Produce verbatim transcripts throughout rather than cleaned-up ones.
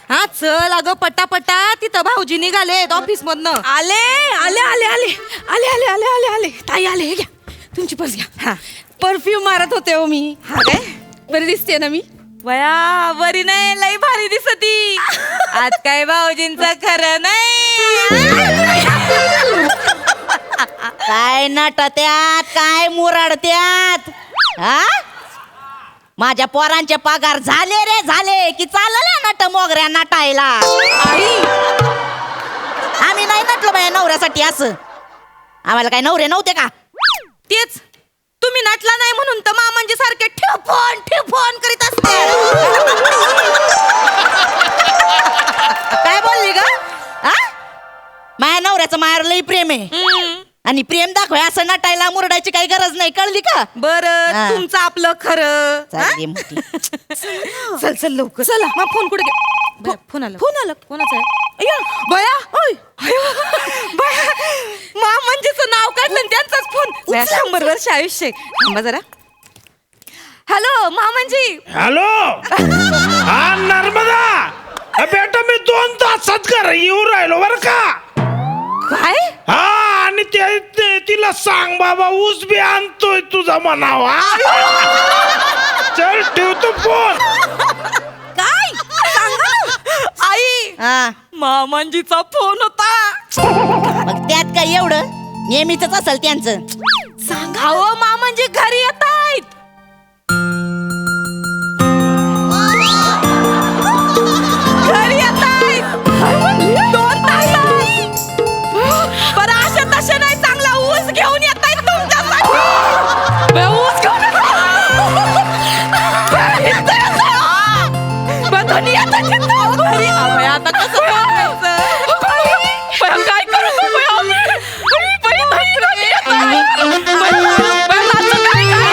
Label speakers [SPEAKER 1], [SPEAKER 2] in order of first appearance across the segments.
[SPEAKER 1] हा चल अगं पटापटा, तिथं भाऊजी निघालेत ऑफिस मधनं.
[SPEAKER 2] आले आले आले आले आले आले आले आले आले ताई आले. हे घ्या तुमची पर्स घ्या.
[SPEAKER 1] हा
[SPEAKER 2] परफ्यूम मारत होते हो मी.
[SPEAKER 1] हा काय
[SPEAKER 2] बरी दिसते ना मी.
[SPEAKER 1] बया बरी नाही, लई भारी दिसती. आज काय भाऊजींचं खरं नाही.
[SPEAKER 3] काय नटत्यात काय मुरडत्यात हा. माझ्या पोरांचे पगार झाले रे झाले की चालले नट मोगऱ्या नटायला.
[SPEAKER 1] आई
[SPEAKER 3] आम्ही नाही नटलो बाया नवऱ्यासाठी. असं आम्हाला काय नवरे नव्हते का?
[SPEAKER 1] तेच तुम्ही नटला नाही म्हणून तर मामांजी सारखे ठेफोन ठेफोन करीत असते.
[SPEAKER 3] काय बोलली ग? हा माझ्या नवऱ्याचं मायावर लई प्रेम आहे आणि प्रेम दाखवाय असं नटायला मुरडायची काही गरज नाही. कळली का?
[SPEAKER 1] बर
[SPEAKER 3] हा.
[SPEAKER 1] तुमचं आपलं खरं. हा?
[SPEAKER 3] चालली मोठी.
[SPEAKER 1] चल चल लवकर चला. मग फोन कुठे गे- बया, फोन आला फोन आला कोणाचा आहे? अय्या, बया ओय अयो, बया मामांजीचं नाव काढलं आणि त्यांचाच फोन. बया, शंभर वर्ष आयुष्य आहे. थांबा जरा. हॅलो मामांजी.
[SPEAKER 4] हॅलो हा नर्मदा. अ, बेटा मी दोन तासात घर येऊ राहिलो बर का.
[SPEAKER 1] काय
[SPEAKER 4] हा आणि ते ते- तिला सांग बाबा ऊस बी आणतोय तुझा म्हणावा. चल ठेवतो फोन.
[SPEAKER 1] काय सांगा आई.
[SPEAKER 3] हा
[SPEAKER 1] मामांजीचा फोन होता.
[SPEAKER 3] मग त्यात काय एवढं नेहमीच असेल त्यांचं.
[SPEAKER 1] सांगा हो मामांजी घरी येत आहेत. घरी येत आहेत. दोन तासात. बरं अशा तशा नाही, चांगला ऊस घेऊन येत आहेत तुमच्यासाठी. बरं, ऊस घेऊन येत आहेत. बरं, इथं येत आहेत. बरं, धनी येत आहेत इथं. घरी. अबे, आता कसं करायचं? बरं, काय करू तू बया? बरं, धनी धनी येत आहेत. बरं, बरं, नाचू काय काय?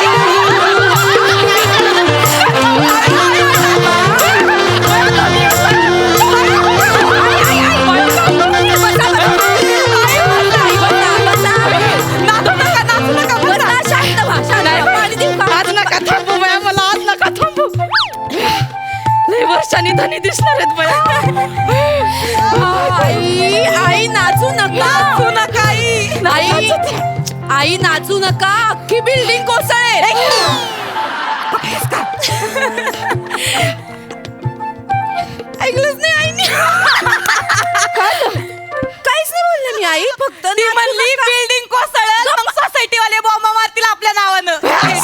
[SPEAKER 1] वर्षांनी धनी दिसणार आहेत बया.
[SPEAKER 2] आई आई नाचू नका.
[SPEAKER 1] नाचू नका आई.
[SPEAKER 2] आई आई नाचू नका. अख्खी बिल्डिंग कोसळेल.
[SPEAKER 1] ऐकलंच नाही आईने.
[SPEAKER 2] काहीच नाही बोलले मी आई. फक्त
[SPEAKER 1] ती म्हणली बिल्डिंग कोसळेल मग सोसायटी वाले बॉम्ब मारतील आपल्या नावानं.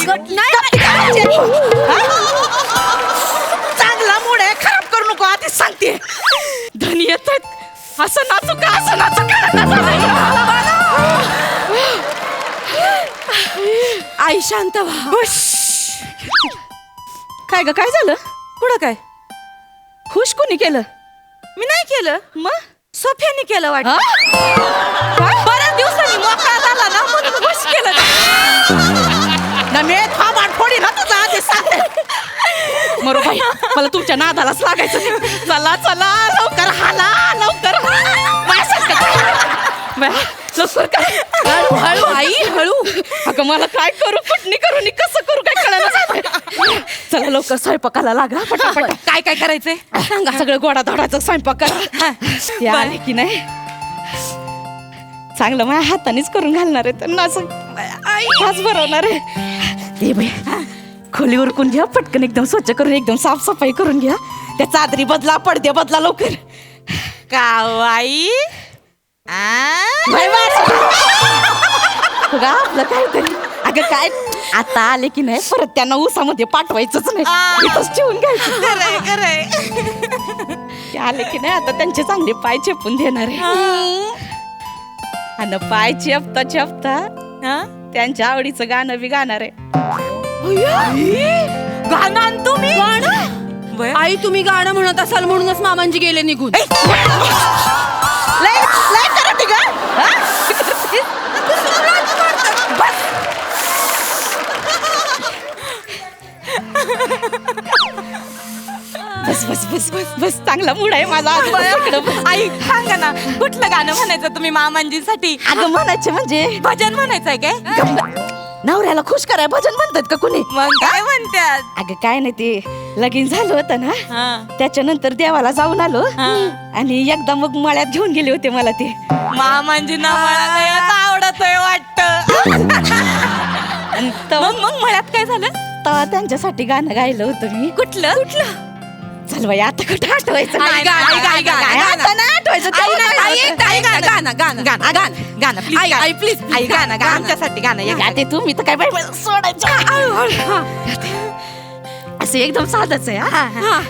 [SPEAKER 1] चांगला मूड आहे, खराब करू नको आधीच सांगते. धनी येत आहेत. असं नाचू का असं नाचू का?
[SPEAKER 2] आई शांत व्हा.
[SPEAKER 1] काय ग काय झालं? पुढं काय?
[SPEAKER 2] खुश कोणी केलं?
[SPEAKER 1] मी नाही केलं.
[SPEAKER 2] मग
[SPEAKER 1] सोफ्याने केलं वाटत.
[SPEAKER 2] हा?
[SPEAKER 1] बऱ्याच दिवसांनी मोकळा झाला ना म्हणून खुश केलं.
[SPEAKER 3] नमे थांबाड फोडी ना तुझा आधी सांगते.
[SPEAKER 1] मरो बाई, मला तुमच्या नादालाच लागायचं नाही. चला चला लवकर हाला लवकर. बाया, लवकर काय?
[SPEAKER 2] हळू हळू आई हळू.
[SPEAKER 1] अगं मला काय करू, कुठनी करू नि कसं करू काय कळलं. चला लवकर स्वयंपाकाला लागा पटापट. काय काय करायचंय सांगा. सगळं गोडा धोडाचं स्वयंपाक करा. ते आले की नाही चांगलं माझ्या हातानेच करून घालणार आहे. त्यांना असं हाच भरवणार आहे. ते बाई खोली उरकून घ्या पटकन, एकदम स्वच्छ करून एकदम साफसफाई करून घ्या. त्या चादरी बदला, पडदे बदला लवकर. कावाई आपलं काहीतरी. अगं काय आता आले की नाही परत त्यांना ऊसामध्ये पाठवायचंच नाही. इथंच ठेवून घ्यायचं. ते आले की नाही आता त्यांचे चांगले पाय चेपून देणार आहे. आणि पाय चेपता चेपता त्यांच्या आवडीचं गाणं बी गाणार आहे. गाणं तुम्ही गाणं.
[SPEAKER 2] आई तुम्ही गाणं म्हणत असाल म्हणूनच मामांजी गेले निघून.
[SPEAKER 3] लय लय करते ग.
[SPEAKER 1] बस बस बस बस बस चांगला मूड आहे माझा आज. इकडं बस. आई सांगा ना कुठलं गाणं म्हणायचं तुम्ही मामांजीसाठी?
[SPEAKER 3] अगं म्हणायचे म्हणजे
[SPEAKER 1] भजन म्हणायचंय काय?
[SPEAKER 3] नवऱ्याला खुश कराय भजन म्हणतात का कुणी?
[SPEAKER 1] मग काय म्हणतात?
[SPEAKER 3] अगं काय नाही ते
[SPEAKER 2] लगीन झालं होतं ना
[SPEAKER 1] हा.
[SPEAKER 2] त्याच्यानंतर देवाला जाऊन आलो
[SPEAKER 1] हा.
[SPEAKER 2] आणि एकदा मग मळ्यात घेऊन गेले होते मला ते
[SPEAKER 1] मामांजींना मला लयच आवडतोय वाटत.
[SPEAKER 2] आणि तेव्हा
[SPEAKER 1] मग मग मळ्यात काय झालं?
[SPEAKER 2] तेव्हा त्यांच्यासाठी गाणं गायलं होतं मी.
[SPEAKER 1] कुठलं कुठलं?
[SPEAKER 2] चल बाई आता कुठं आठवायचं
[SPEAKER 1] आई,
[SPEAKER 2] नाही.
[SPEAKER 1] गा- आई, गा- आई, गा-
[SPEAKER 2] नाही, आता नाही आठवायचं. तेव्हा गायलं होतं.
[SPEAKER 1] आई, गाणं गाणं गाणं गाणं गाणं गाणं please,
[SPEAKER 2] आई,
[SPEAKER 1] गाणं.
[SPEAKER 2] आई, please,
[SPEAKER 1] आई गाणं गाणं आमच्यासाठी गाणं एक
[SPEAKER 2] या ते तुम्ही तर काय बाई मला सोडायचं. असं एकदम साधच आहे हा.
[SPEAKER 1] हा.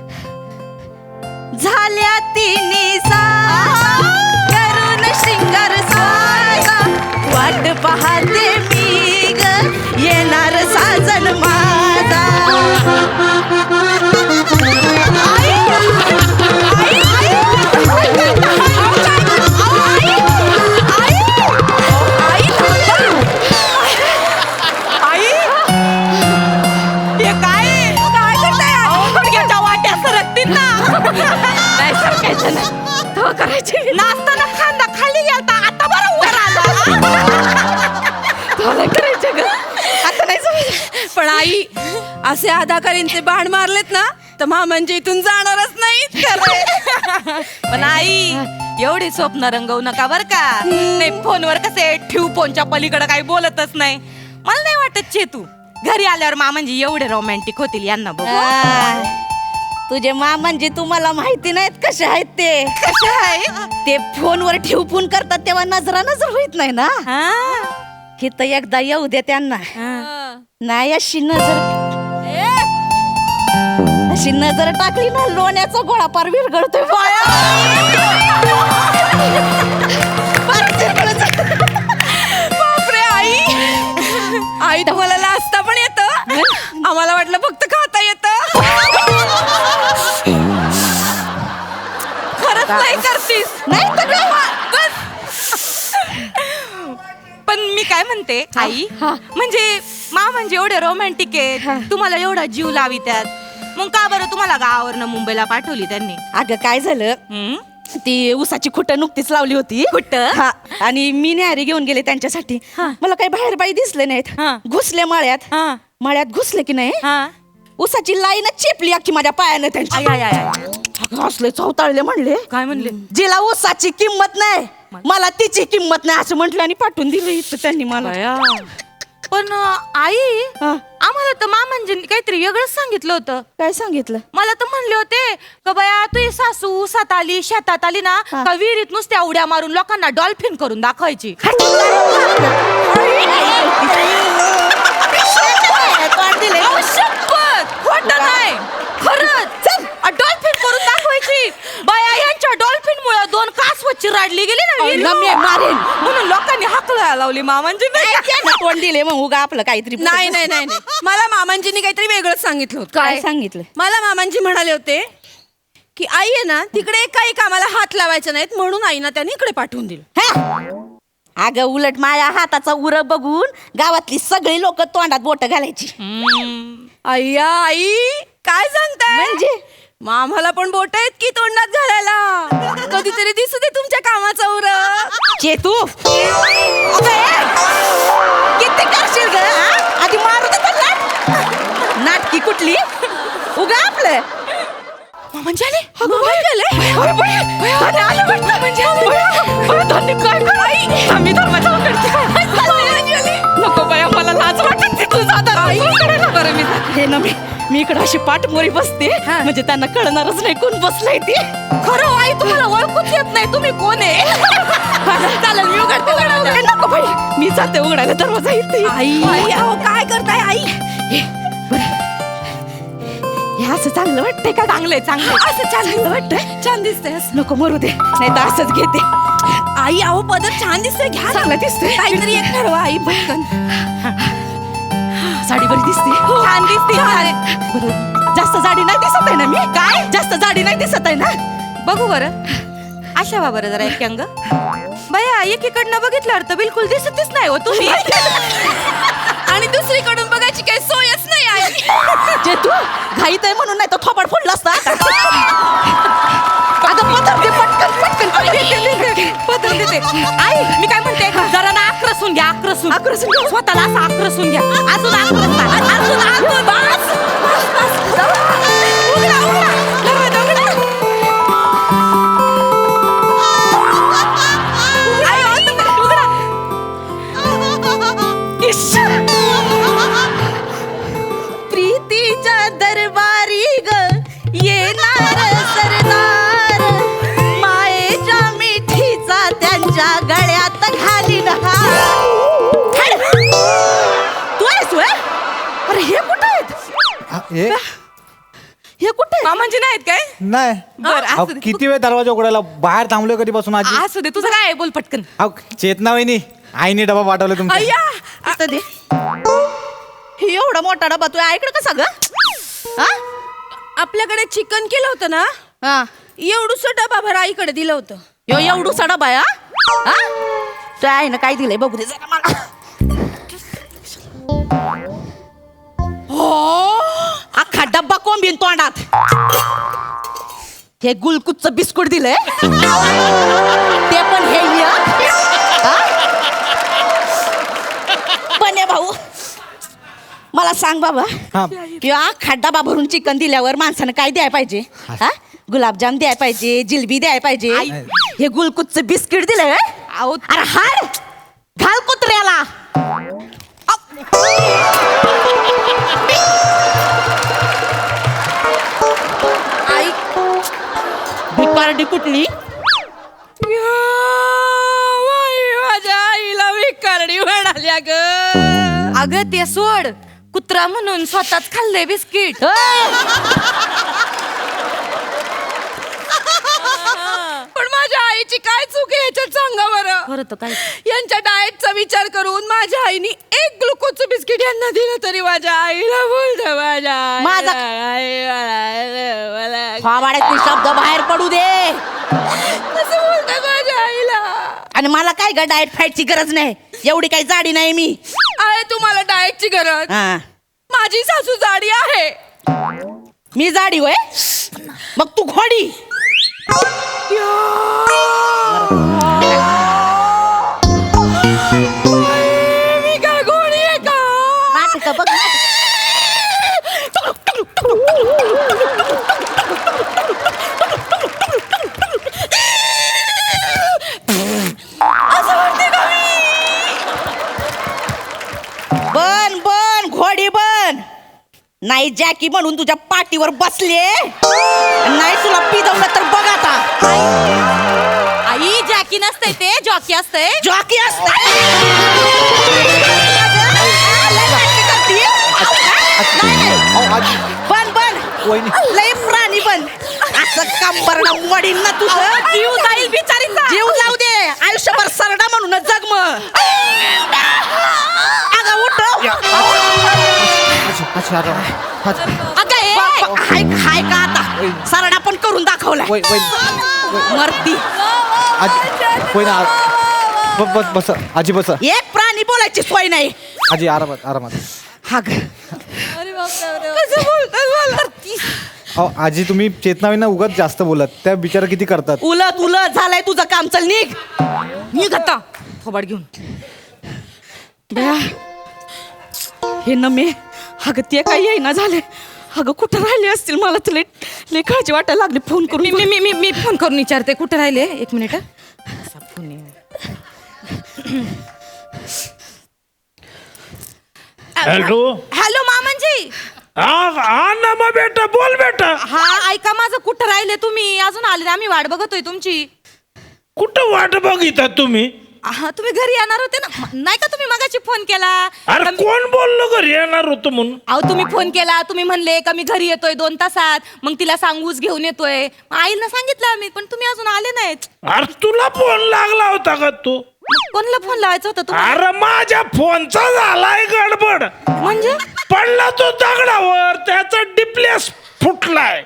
[SPEAKER 2] झाल्या तिन्ही साजा, करून शिंगार साजा, वाट पाहते मी ग येणार साजन माझा. आई, आई, आई,
[SPEAKER 1] आई हे काय काय करताय? गुडघ्याच्या वाट्या सरकतील ना.
[SPEAKER 2] नाही सरकायचं ना तेव्हा करायचे
[SPEAKER 1] नाचताना खांदा खाली गेलता आता बरं वर आला.
[SPEAKER 2] तेव्हा करायचे ग आता नाही समजलं.
[SPEAKER 5] पण आई असे अदाकारींचे बाण मारलेत ना तर मामांच्या इथून जाणारच नाही.
[SPEAKER 1] पण आई एवढी स्वप्न रंगवू नका बर का. नाही फोनवर कसे ठेवू फोनच्या पलीकडे काही बोलतच नाही. मला नाही वाटत चेतू घरी आल्यावर मामांजी एवढे रोमॅन्टिक होतील यांना बघू.
[SPEAKER 2] आ, तुझे मा म्हणजे तुम्हाला माहिती नाहीत कसे आहेत ते.
[SPEAKER 1] कसे आहे?
[SPEAKER 2] ते फोनवर ठेव फोन करतात तेव्हा नजरा नजर होत नाही ना.
[SPEAKER 1] हा.
[SPEAKER 2] हिथं एकदा येऊ दे त्यांना.
[SPEAKER 1] हा.
[SPEAKER 2] नाही अशी नजर अशी नजर टाकली ना लोण्याचा गोळा पार विरघळतोय.
[SPEAKER 5] बापरे आई आई तुम्हाला लाजता पण येतं. आम्हाला वाटलं फक्त खाता येतं.
[SPEAKER 1] खरंच नाही करतीस.
[SPEAKER 2] नाही तर काय?
[SPEAKER 1] पण मी काय म्हणते आई
[SPEAKER 2] हा.
[SPEAKER 1] म्हणजे मा म्हणजे एवढे रोमॅन्टिक
[SPEAKER 2] हा.
[SPEAKER 1] आहेत तुम्हाला एवढा जीव लावी त्यात मग का बरं तुम्हाला गावावरनं मुंबईला पाठवली त्यांनी?
[SPEAKER 2] अगं काय झालं
[SPEAKER 1] हम्म?
[SPEAKER 2] ती उसाची खुट नुकतीच लावली होती.
[SPEAKER 1] खुटं?
[SPEAKER 2] हा आणि मी न्याहारी घेऊन गेले त्यांच्यासाठी.
[SPEAKER 1] हा.
[SPEAKER 2] मला काही बाहेर बाई दिसले नाहीत.
[SPEAKER 1] हा.
[SPEAKER 2] घुसले मळ्यात
[SPEAKER 1] हा.
[SPEAKER 2] मळ्यात घुसले की नाही
[SPEAKER 1] हा.
[SPEAKER 2] उसाची लाईनच चेपली अख्खी माझ्या पायानं त्यांची.
[SPEAKER 1] आय, आय, आय, आय.
[SPEAKER 2] अगं, असले चौताळले म्हणले
[SPEAKER 1] काय म्हणले?
[SPEAKER 2] जिला उसाची किंमत नाही मला तिची किंमत नाही असं म्हटलं आणि पाठवून दिलं इथं त्यांनी मला.
[SPEAKER 1] पण अं, आई
[SPEAKER 2] हा.
[SPEAKER 1] आम्हाला तर मामांजींनी काहीतरी वेगळंच सांगितलं होतं.
[SPEAKER 2] काय सांगितलं?
[SPEAKER 1] मला तर म्हणले होते का बया तुझी सासू उसात आली शेतात आली ना
[SPEAKER 2] हा.
[SPEAKER 1] का विहिरीत नुसत्या उड्या मारून लोकांना डॉल्फिन करून दाखवायची. अहो, शपथ खोटं नाही खरंच डॉल्फिन करून दाखवायची. बाया यांच्या डॉल्फिन मुळे दोन कासव चिराडली गेली ना विहिरीत.
[SPEAKER 2] नम्य मारेन.
[SPEAKER 1] म्हणून लोकांनी हाकला लावली मामांची.
[SPEAKER 2] कोण दिले मग उगा आपलं काहीतरी.
[SPEAKER 5] नाही नाही नाही नाही. मला मामांजींनी काहीतरी वेगळंच सांगितलं होतं.
[SPEAKER 2] काय सांगितलं?
[SPEAKER 5] मला मामांजी म्हणाले होते की आई आहे ना तिकडे काही कामाला हात लावायचे नाहीत म्हणून आईना त्यांनी इकडे पाठवून दिलं.
[SPEAKER 2] हा? अगं उलट माझ्या हाताचा उर बघून गावातली सगळी लोक तोंडात बोट घालायची.
[SPEAKER 5] अय्या आई काय सांगताय
[SPEAKER 2] म्हणजे?
[SPEAKER 5] मग आम्हाला पण बोट आहेत की तोंडात घालायला. कधीतरी दिसू दे तुमच्या कामाचा उर.
[SPEAKER 2] चेतू किती करशील ग? आधी मारू दे त्याला. नाटकी कुठली उगा आपलं
[SPEAKER 1] म्हणजे आले
[SPEAKER 2] नको बाया मला लाज वाटत हे ना मी मी इकडे अशी पाठमोरी बसते म्हणजे त्यांना कळणारच नाही कोण बसलाय ते.
[SPEAKER 1] खरं आई तुम्हाला ओळखूच येत नाही तुम्ही कोण आहे.
[SPEAKER 2] चालेल मी उघडते दरवाजा. नको बाई मी चालते उघडायला दरवाजा इथे.
[SPEAKER 5] आई अहो काय करताय आई?
[SPEAKER 2] हे, बरं. हे असं चांगलं वाटतंय का?
[SPEAKER 1] चांगलंय चांगलंय
[SPEAKER 2] असं चांगलं वाटतंय.
[SPEAKER 5] छान दिसतंय.
[SPEAKER 2] नको मरू दे नाही तर असंच घेते.
[SPEAKER 5] आई अहो पदर छान दिसतोय घ्या ना.
[SPEAKER 2] चांगला दिसतोय.
[SPEAKER 5] काहीतरी एक ठरवा आई पटकन.
[SPEAKER 2] साडी बरी दिसते.
[SPEAKER 1] छान दिसते.
[SPEAKER 2] बरं, जास्त जाडी नाही दिसत आहे ना मी? काय जास्त जाडी नाही दिसत आहे ना?
[SPEAKER 1] बघू बरं अशा बा बरं जरा एक अंग बया एकीकडनं बघितल्यावर तर बिलकुल दिसतच नाही हो तुम्ही.
[SPEAKER 5] आणि दुसरीकडून बघायची काही सोयच नाही आई.
[SPEAKER 2] जे तू घाईत आहे म्हणून नाही तर थोबाड फोडला असता. अगं पदर दे पटकन पटकन
[SPEAKER 1] पदर देते. आई मी काय म्हणते जरा ना आक्रसून घ्या आक्रसून
[SPEAKER 2] आक्रसून घ्या.
[SPEAKER 1] स्वतःला असं आक्रसून घ्या. अजून आक्रस अजून अजून बस, बस, बस. दरवाजा उघडा. आई, ओ, तुम्ही उघडा. इश्श.
[SPEAKER 3] प्रीतीच्या दरबारी ग येणार सरदार मायेच्या मिठीचा त्यांच्या गळ्यात घालीन हार. तू आहेस व्हय? अरे हे कुठं आहेत?
[SPEAKER 6] हे
[SPEAKER 3] हे कुठे
[SPEAKER 1] मामांजी नाहीत काय?
[SPEAKER 6] नाही
[SPEAKER 1] बर
[SPEAKER 6] अहो,
[SPEAKER 1] असू दे.
[SPEAKER 6] किती वेळ दरवाजा उघडायला बाहेर थांबलोय कधीपासून आजी
[SPEAKER 1] असू दे तुझं काय आहे? बोल पटकन.
[SPEAKER 6] अहो चेतना वहिनी आईने डबा पाठवला तुमचा
[SPEAKER 1] अय्या
[SPEAKER 3] असं दे. हे एवढा मोठा डबा तू ऐकलं कसा ग? हा?
[SPEAKER 5] आपल्याकडे चिकन केलं होतं ना,
[SPEAKER 3] हा.
[SPEAKER 5] एवढूस डबा भर आईकडे दिलं होतं.
[SPEAKER 3] यो एवढूसा डबा आहे, हा? हा? तुझ्या आईनं काय दिलंय बघू दे जरा मला. अख्खा डब्बा कोंबीन तोंडात. हे गुलकुच्च बिस्कुट दिलंय ते पण हे एक. हा? पण हे भाऊ मला सांग बाबा,
[SPEAKER 6] हा.
[SPEAKER 3] किंवा अख्खा डबा भरून चिकन दिल्यावर माणसानं काय द्यायला पाहिजे? हा? गुलाबजाम द्यायला पाहिजे, जिलबी द्यायला पाहिजे. हे गुलकुच्च बिस्किट दिलंय.
[SPEAKER 1] अहो,
[SPEAKER 3] अरे हाड घाल कुत्र्याला.
[SPEAKER 5] आई
[SPEAKER 3] भिकारडी कुठली?
[SPEAKER 1] या, बाई, माझ्या आईला मी करडी म्हणाल्या ग. अगं ते सोड, कुत्रा म्हणून स्वतःच खाल्लंय बिस्किट. पण माझ्या आईची काय चूक आहे ह्याच्यात सांगा बरं.
[SPEAKER 3] बरं तर काय
[SPEAKER 5] यांच्या डाएटचा विचार करून माझ्या आईने एक ग्लुकोजचं बिस्किट यांना दिलं तरी माझ्या आईला बोलत माझ्या
[SPEAKER 3] माझा-
[SPEAKER 5] आई मला- मला-
[SPEAKER 3] फावाड्यातले शब्द बाहेर पडू दे.
[SPEAKER 5] कसं बोलतात माझ्या आईला.
[SPEAKER 3] आणि मला काय ग डाएट फाईटची गरज नाही, एवढी काही जाडी नाही मी.
[SPEAKER 5] आहे तुम्हाला डाएटची गरज?
[SPEAKER 3] हा.
[SPEAKER 5] माझी सासू जाडी आहे.
[SPEAKER 3] मी जाडी होय, मग तू घोडी.
[SPEAKER 5] मी काय गोळी आहे का?
[SPEAKER 3] नाटकं बघ. बन बन घोडी बन. नाही जॅकी म्हणून तुझ्या पाठीवर बसले, नाही तुला पिदवलं तर बघ आता.
[SPEAKER 1] आई जॅकी नसतंय ते जॉकी असतंय.
[SPEAKER 3] जॉकी असते.
[SPEAKER 6] अहो, आजी
[SPEAKER 3] बन बन
[SPEAKER 6] वहिनी
[SPEAKER 3] लय प्राणी बन. असं कंबरडं वडील ना तुझं.
[SPEAKER 1] जीव जाईल बिचारीचा.
[SPEAKER 3] जीव जाऊ दे, आयुष्यभर सरडा म्हणून जग मग. अगं उठ.
[SPEAKER 6] आजी, आजी, आजी, आजी.
[SPEAKER 3] अगं ए, हाय हाय का आता सरडा पण करून दाखवलाय.
[SPEAKER 6] वय- वय-
[SPEAKER 3] मरती.
[SPEAKER 6] आजी वहिनी आ- ब- बस बस आजी बस
[SPEAKER 3] एक प्राणी बोलायची सोय नाही.
[SPEAKER 6] आजी आरामात आरामात
[SPEAKER 3] हा ग.
[SPEAKER 5] कसं बोलतात मला?
[SPEAKER 6] अहो आजी तुम्ही चेतनावींना उगाच जास्त बोलत, त्या बिचारा किती करतात.
[SPEAKER 3] उलट उलट झालंय तुझं काम. चल निघ निघ आता.
[SPEAKER 1] थोबाड घेऊन.
[SPEAKER 2] बया हे नमे, अगं ते काही येईना झाले. अगं कुठं राहिले असतील, मला तर लय लय काळजी वाटायला लागली. फोन करून
[SPEAKER 1] मी मी मी मी फोन करून विचारते कुठे राहिले. एक मिनिट हं.
[SPEAKER 4] हॅलो
[SPEAKER 5] हॅलो मामांजी.
[SPEAKER 4] हा हा ना मग बेटा बोल बेटा.
[SPEAKER 1] हा ऐका माझं कुठं राहिले तुम्ही? अजून आले नाही, आम्ही वाट बघतोय तुमची.
[SPEAKER 4] कुठं वाट बघिता तुम्ही?
[SPEAKER 1] हा तुम्ही घरी येणार होते ना, म- नाही का तुम्ही मगाशी फोन केला?
[SPEAKER 4] अरे
[SPEAKER 1] का मी-
[SPEAKER 4] कोण बोललो घरी येणार होतो म्हणून?
[SPEAKER 1] अहो तुम्ही फोन केला, तुम्ही म्हणले का मी घरी येतोय दोन तासात, मग तिला सांगूच घेऊन येतोय. मग आईला सांगितलं आम्ही, पण तुम्ही अजून आले नाहीत.
[SPEAKER 4] अरे तुला फोन लागला होता का तू?
[SPEAKER 1] मग कोणाला फोन लावायचा होता तुम्हाला?
[SPEAKER 4] अरे माझ्या फोनचा झालाय गडबड.
[SPEAKER 1] म्हणजे
[SPEAKER 4] पडला तो दगडावर, त्याचा डिप्लेस फुटलाय.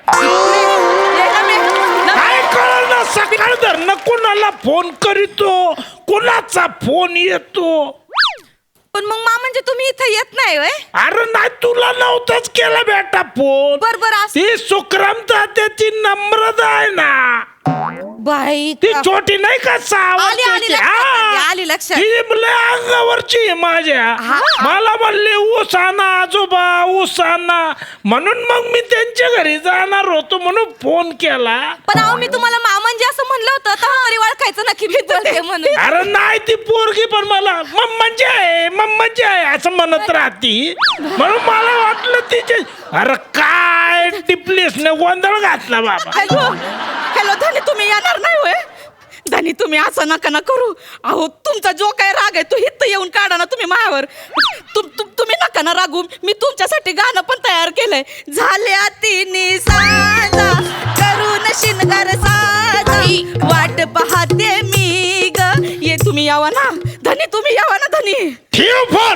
[SPEAKER 4] काय कळलं ना, सकाळ धरणं कोणाला फोन करीतो, कोणाचा फोन येतो.
[SPEAKER 1] पण मग मा म्हणजे तुम्ही इथं येत नाही होय?
[SPEAKER 4] अरे नाही तुला नव्हताच केला बेटा फोन.
[SPEAKER 1] बर बर असं-
[SPEAKER 4] ती सुक्रमता त्याची नम्रता आहे ना.
[SPEAKER 5] बाई
[SPEAKER 4] ती छोटी नाही का सहा
[SPEAKER 5] आली आली
[SPEAKER 4] वर्षाची?
[SPEAKER 5] लक्षात आली,
[SPEAKER 4] हा.
[SPEAKER 5] आली लक्षात
[SPEAKER 4] ती लय अंगावरची आहे माझ्या मला म्हणले ऊस आणा आजोबा ऊस आणा म्हणून मग मी त्यांच्या घरी जाणार होतो म्हणून फोन केला.
[SPEAKER 1] पण अहो मी तुम्हाला मामंजी असं म्हणलं होतं तर तरी ओळखायचं नक्की मी बोलते म्हणून.
[SPEAKER 4] अरे नाही ती पोरगी पण मला मम्माची आहे मम्माची आहे असं म्हणत राहती म्हणून मला वाटलं तिचे. अरे काय टिपलीस ने गोंधळ घातला बाबा.
[SPEAKER 2] हॅलो हॅलो धनी तुम्ही येणार नाही होय धनी तुम्ही असं नका ना करू. अहो तुमचा जो काय राग आहे तो हित येऊन काढा ना तुम्ही मायावर. तुम तुम- तुम्ही नका ना रागू. मी तुमच्यासाठी गाणं पण तयार केलंय. झाल्या तिन्ही साजा करून शिनगार साजा वाट पाहते मी ग. ये तुम्ही यावा ना धनी तुम्ही यावा ना धनी.
[SPEAKER 4] ठेव फोन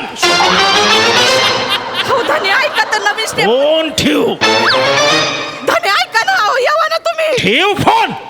[SPEAKER 2] हो धनी ऐका तर नवीन स्टेप.
[SPEAKER 4] फोन ठेव
[SPEAKER 2] धनी ऐका ना अहो यावा ना तुम्ही.
[SPEAKER 4] ठेव फोन